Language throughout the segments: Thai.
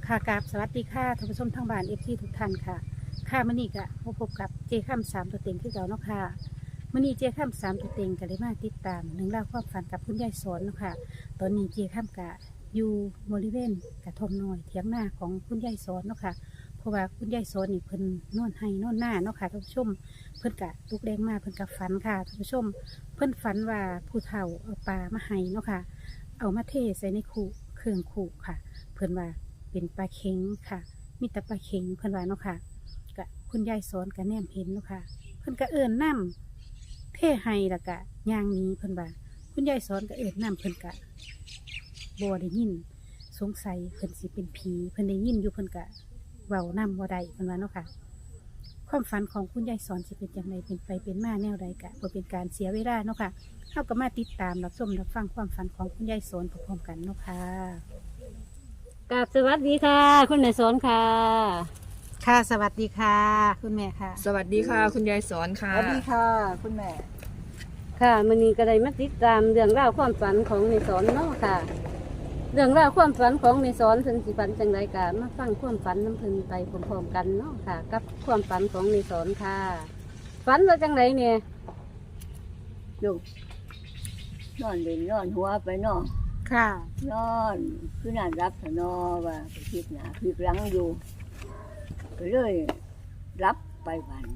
ค่ะกราบสวัสดีค่ะท่านผู้ชมทางบ้านทุกท่านค่ะค่ะมื้อนี้ก็มาพบกับเจค่ำสามตัวเต็งคือเก่าเนาะค่ะมื้อนี้เจค่ำสามตัวเต็งก็ได้มาติดตามหนึ่องราวความฝันกับคุณยายสอนเนาะค่ะตอนนี้เจค่ำก็อยู่บริเวณกระท่อมน้อยเถียงนาของคุณยายสอนเนาะค่ะเพราะว่าคุณยายสอนนี่เพิ่นนอนให้นอนหน้าเนาะค่ะท่านผู้ชมเพิ่นกะลุกแดงมาเพิ่นกะฝันค่ะท่านผู้ชม เพิ่นฝันว่าผู้เฒ่าเอาปลามาให้เนาะค่ะเอามาเทใส่ในคูเครื่องคูค่ะ เพิ่นว่าเป็นปลาเค็งค่ะ มีแต่ปลาเค็งเพิ่นว่าเนาะค่ะกะคุณยายสอนกะแนมเห็นเนาะค่ะเพิ่นกะเอิ้นน้ำเทให้แล้วกะย่างหนี้เพิ่นว่าคุณยายสอนกะเอิ้นน้ำเพิ่นกะบ่ได้ยินสงสัยเพิ่นสิเป็นผีเพิ่นได้ยินอยู่เพิ่นกะเว้าน้ำบ่ได้เพิ่นว่าเนาะค่ะความฝันของคุณยายสอนสิเป็นจังไดเป็นไปเป็นมาแนวใดกะบ่เป็นการเสียเวลาเนาะค่ะเฮาก็มาติดตามรับชมรับฟังความฝันของคุณยายสอนพร้อมๆกันเนาะค่ะกราบสวัสดีค่ะ คุณนายสอนค่ะค่ะสวัสดีค่ะ คุณแม่ค่ะสวัสดีค่ะ คุณยายสอนค่ะสวัสดีค่ะ คุณแม่ค่ะมื้อนี้ก็ได้มาติดตามเรื่องราวความฝันของนายสอนเนาะค่ะ เรื่องราวความฝันของนายสอนเพิ่นสิฝันจังไดก็มาฟังความฝันน้ำเพิ่นไปพร้อมๆกันเนาะค่ะ กับความฝันของนายสอนค่ะฝันว่าจังไดเนี่ยลูกนอนเล่นนอนหัวไปเนอนค่ะนอนคือนานรับสนอว่าไปคิดหนาคิดหลังอยู่ก็เลยรับไปวัน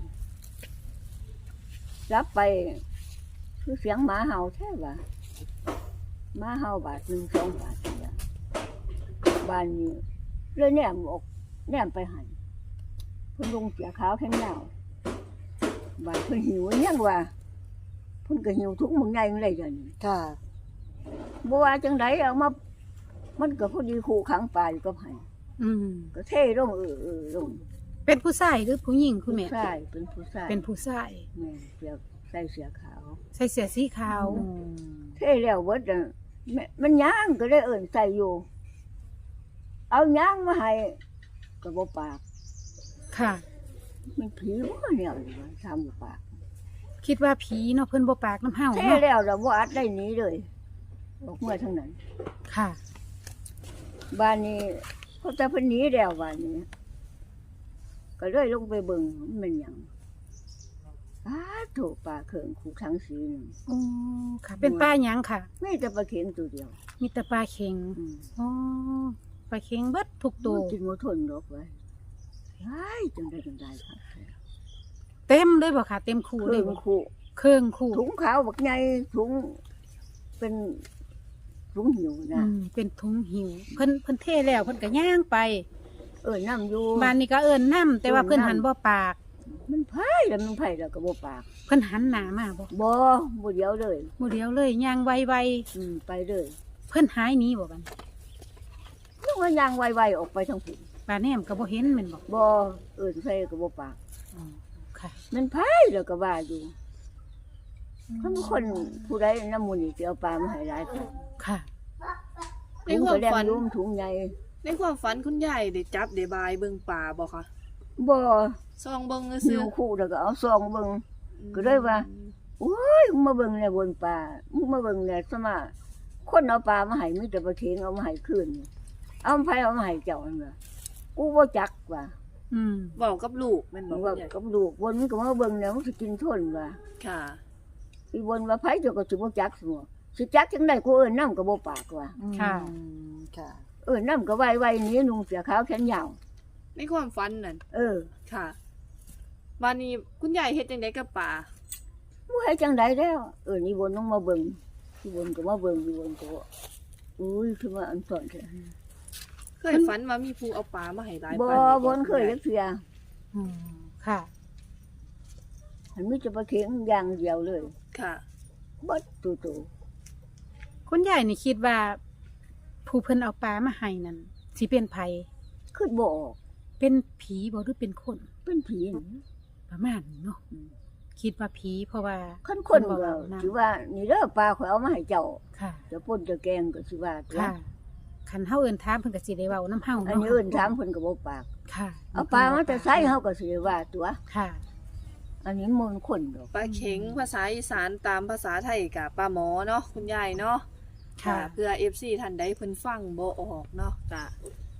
รับไปคือเสียงหมาเห่าแท้ว่าหมาเห่าบาทหนึ่งสองบาทเนี่ยบ้านนี้เลยแนมออกแนมไปหันเพิ่นลงเสียขาวแข็งยาวบ้านเพิ่นหิวยังว่าเพิ่นก็หิวทุกมึงไงมึงเลยเดี๋ยวนี้ค่ะบัวาจังไดเอามามันก็พอดีคู่ขังปลาอยู่กับไห้อืมก็เท่ลงลงเป็นผู้ชายหรือผู้หญิงคุณแม่ผู้ชายเป็นผู้ชายเป็นผู้ชายแม่เสื้อใส่เสื้อขาวใส่เสื้อสีขาวเท่แล้วเบิดน่ะแม่มันย่างก็ได้เอิ่นใส่อยู่ เอาย่างมาให้ก็บ่ปากค่ะมันผีบ่เนี่ยอยู่ว่าทำบ่ปากคิดว่าผีเนาะเพิ่นบ่ปากน้ำเห่าเท่เนาะแล้วเราบ่อัดได้หนีเลยออกเมื่อทั้งนั้นค่ะบ้านนี้เขาจะเพิ่นหนีแล้วบ้านนี้ ก็เลยลงไปเบิ่งมันเป็นหยังโถปลาเขิงคู่ทั้งสีหนึ่งอ๋อค่ะ เป็นปลาหยังค่ะไม่แต่ปลาเข็งตัวเดียวมีแต่ปลาเค็งอืมอ๋อปลาเค็งเบิดทุกตัวกินหมดทนดอกไว้ไอ้จังได้ครับเต็มเลยบ่ค่ะ เต็มคูเลเรื่ยองบ่คู่เครื่องคูถุงขาวบักใหญ่ถุงเป็นถุงหิวอืนะมเป็นถุงหิว เพิ่นเทแล้วเพิ่นก็ย่างไปน้ำอยู่บ้านนี้ก็เอิ้นน้ำแต่ว่าเพิ่นหันบ่ปากมันไผ่แล้วมันไผ่แล้วก็บ่ปากเพิ่นหันหน้ามาบ่บ่เดียวเลยบ่เดียวเลยย่างไวไปเลยๆเพิ่นหายหนีบ่บัดนึกว่ายางไวๆออกไปทางผู้ปลาแหนมก็บ่เห็นแม่นบ่บ่ใส่ก็บ่ปากอ๋อค่ะมันไผ่แล้วก็ว่าอยู่เขาเป็นคนผู้ใดน้ำมูลนี่สิเอาปลามาให้หลายคนค่ะในความฝันถุงก็แดงยุ่มถุงใหญ่ในความฝันคุณยายได้จับได้บายเบิ่งป่าบ่คะบ่ซองเบิ่งหิซื่อวคู่แล้วก็เอาซองเบิ่ง ก็เลยว่า โอ้ยมึงมาเบิ่งเนี่ยบนป่ามึงมาเบิ่งเนี่ยสมาคนเอาปลามาให้มีแต่ปลาเค็งเอามาให้คืนนี่เอาไผเอามาให้เจ้านั่นล่ะกูบ่จักว่าอืมเว้ากับลูกแม่นมึบ่งคุว่าณยายกับลูกบนมึงก็มาเบิ่งเนี่ยมึงสิกินทนว่าค่ะอีบนว่าไผเจ้าก็สิบ่จักซั่วสิจักจังได๋กูเอิ้นนำก็บ่ปากว่าค่ะค่ะ เอิ้นนำก็ไวๆหนีนุ่งเสื้อขาวแขนยาวในความฝันนั่น ค่ะวันนี้คุณยายเฮ็ดจังไดกับป่าบ่ให้จังได๋แล้วอีบนต้องมาเบิ่งอีบนก็มาเบิ่งอีบนก็อุ้ยคือว่าอันสอนแท้เคยฝันว่ามีผู้เอาป่ามาให้หลายบ่ปานนี้บ่เคยจักเทื่ออืมค่ะมันมีแต่ปลาเค็งอย่างเดียวเลยค่ะเบิดตูคุณยายนี่คิดว่า ผู้เพิ่นเอาปลามาให้นั่นสิเป็นไผขึ้นบ่ออกเป็นผีบ่หรือเป็นคนเป็นผีนี่ประมาณนี้เนาะคิดว่าผีเพราะว่าคันคนเพิ่ก็เว้านํถือว่านี่เด้อปลาข่อยเอามาให้เจ้าค่ะจะป่นจะแกงก็สิว่าตัวค่ะคันเฮาเอิ้นถามเพิ่นก็สิได้เว้านํเฮาอันเนาะนี้เอิ้นถามเพิ่นก็บ่ปากค่ะเอาปลามาแต่ไสเฮาก็สิได้ว่าตัวค่ะอันนี้มันคนดอกปลาเข็งภาษาอีสานตามภาษาไทยกับปลาหมอเนาะคุณยายเนาะค่ะเพื่อ FC ท่านใดเพิ่นฟังบ่ออกเนาะจ้ะ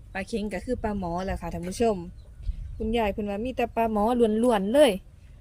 ปลาเค็งก็คือปลาหมอแหละค่ะท่านผู้ชม คุณยายเพิ่นว่ามีแต่ปลาหมอล้วนๆเลย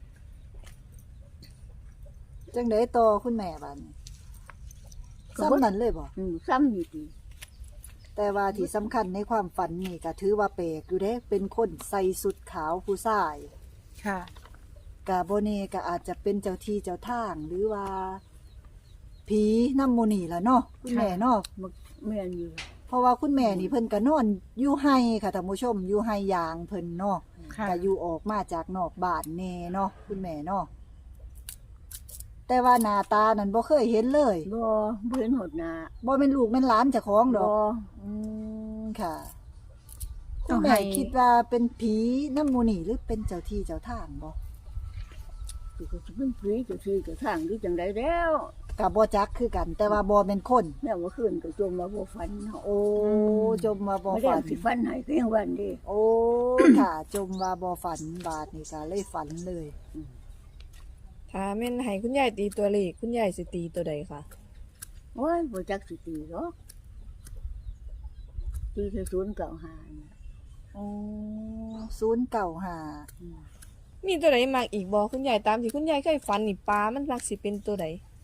จังไดต่อคุณแม่บัดนี้ซ้ำนั้นเลยบ่ซ้ำนี่ติแต่ว่าที่สำคัญในความฝันนี่ก็ถือว่าแปลกอยู่เด้เป็นคนใส่สุดขาวผู้ชายค่ะกะบ่แน่ก็อาจจะเป็นเจ้าที่เจ้าทางหรือว่าผีนำหมู่นี่ล่ะเนาะคุณแม่เนาะมันแม่นอยู่เพราะว่าคุณแม่นี่เพิ่นก็นอนอยู่ไห้ค่ะท่านผู้ชมอยู่ไห้ยางเพิ่นเนาะค่ะก็อยู่ออกมาจากนอกบ้านแน่เนาะคุณแม่เนาะแต่ว่าหน้าตานั้นบ่เคยเห็นเลยบ่เห็นหดหน้าบ่แม่นลูกแม่นหลานเจ้าของดบ่อกค่ะคุต้อณงแม่ให้คิดว่าเป็นผีน้ำหมูนี่หรือเป็นเจ้าที่เจ้าทางบ่สิก็สิเป็นผีเจ้าที่เจ้าทางหรือจังไดแล้วก็บ่จักคือกัน แต่ว่าบ่แม่นคนแล้วเมื่อคืนก็จมมาบ่ฝันเนาะโอ้จมว่าบ่ไม่ได้ฝันสิฝันให้ก็ยังวันเดีโอ้ ค่ะ จมว่าบ่ฝันบาดนี่ก็เลยฝันเลยถ้าแม่นให้คุณยายตีตัวเลขคุณยายสิตีตัวใดคะโอ้ยบ่จักสิตีหรอกตีแค่095น่ะอ๋อ095 มีตัวใดมากอีกบ่คุณยายตามที่คุณยายเคยฝันนี่ปลามันมักสิเป็นตัวใด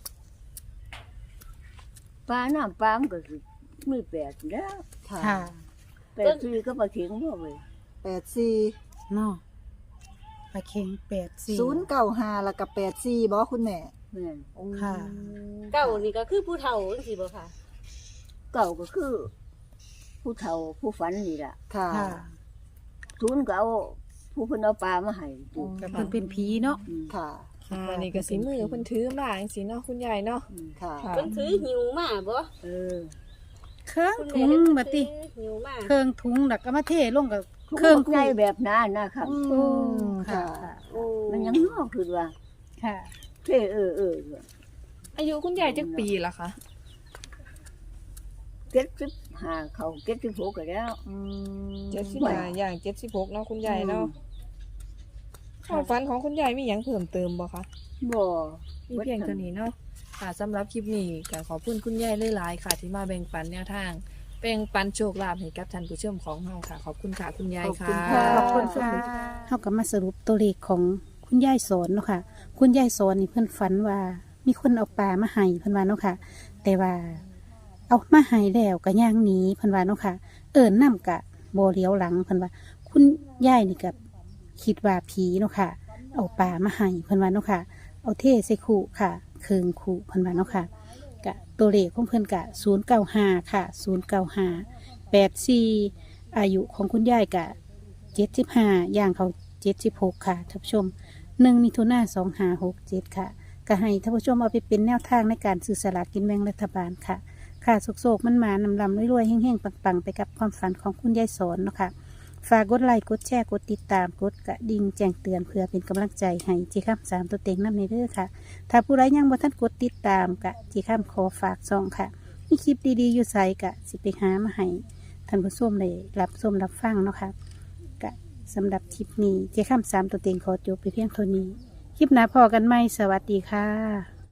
ปลาน้ำปลามันก็สิมี8แล้วค่ะค่ะ 8คือก็ปลาเข็งบ่เว้ย 84 เนาะปลาเค็ง84 095แล้วก็84บ่คุณแม่แม่นโอ้ค่ะเก่านี่ก็คือผู้เฒ่าจังซี่บ่ค่ะเก่าก็คือ ผู้เฒ่าผู้ฝันนี่ล่ะค่ะค่ะศูนย์ก็เอาผู้เพิ่นเอาปลามาให้ติก็เพิ่นเป็นผีเนาะอืมค่ะอันนี้ก็สิมือเพิ่นถือมาจังซี่เนาะคุณยายเนาะอืมค่ะค่ะเพิ่นถือหิวมาบ่เออเครื่องคุณถุแม่งเพิ่นบัดติถือหิวมาเครื่องถุงแล้วก็มาเทลงกับเคเครื่รื่ออง งใจคู่แบบนั้นนะครับอืมค่ะค่ะโอ้มันยังงอกคือว่าค่ะเท่อายุคุณยายจักปีล่ะคะ 75เขา76ก็แล้วอืม 75อย่าง76เนาะคุณยายเนาะความฝันของคุณยายมีหยังเพิ่มเติมบ่คะบ่มีเพียงเท่านี้เนาะค่ะสำหรับคลิปนี้ก็ขอบคุณคุณยายหลายๆค่ะ ที่มาแบ่งปันแนวทางแบ่งปันโชคลาภให้กับท่านผู้ชมของเราค่ะ ขอบคุณค่ะคุณยายค่ะขอบคุณค่ะเฮาก็มาสรุปตัวเลขของคุณยายสอนเนาะค่ะ คุณยายสอนนี่เพิ่นฝันว่า มีคนเอาปลามาให้เพิ่นว่าเนาะค่ะ แต่ว่า เอามาให้แล้วก็ย่างหนีเพิ่นว่าเนาะค่ะ เอิ้นนำกะบ่เลี้ยวหลังเพิ่นว่า คุณยายนี่ก็คิดว่าผีเนาะค่ะ เอาปลามาให้เพิ่นว่าเนาะค่ะ เอาเทใส่ขู่ค่ะเคืองขู่เพิ่นว่าเนาะค่ะกะตัวเลขของเพิ่นกะ095ค่ะ09584อายุของคุณยายกะ75ย่างเขา76ค่ะท่านผู้ชม1มิถุนายน2567ค่ะก็ให้ท่านผู้ชมเอาไปเป็นแนวทางในการซื้อสลากกินแบ่งรัฐบาลค่ะ ค่ะโศกๆมันมานำลำรวยๆเฮงๆปังๆไปกับความฝันของคุณยายสอนเนาะค่ะฝากกดไลค์กดแชร์กดติดตามกดกระดิ่งแจ้งเตือนเพื่อเป็นกำลังใจให้จีข้าม3ตัวเต็งน้ำในเด้อค่ะ ถ้าผู้ใดยังบ่ทันกดติดตามกะจีข้ามขอฝากซองค่ะ มีคลิปดีๆอยู่ใส่กะสิไปหามาให้ท่านผู้ชมเลยรับชมรับฟังเนาะค่ะกะสำหรับคลิปนี้จีข้าม3ตัวเต็งขอจบไปเพียงเท่านี้ คลิปหน้าพอกันไหมสวัสดีค่ะ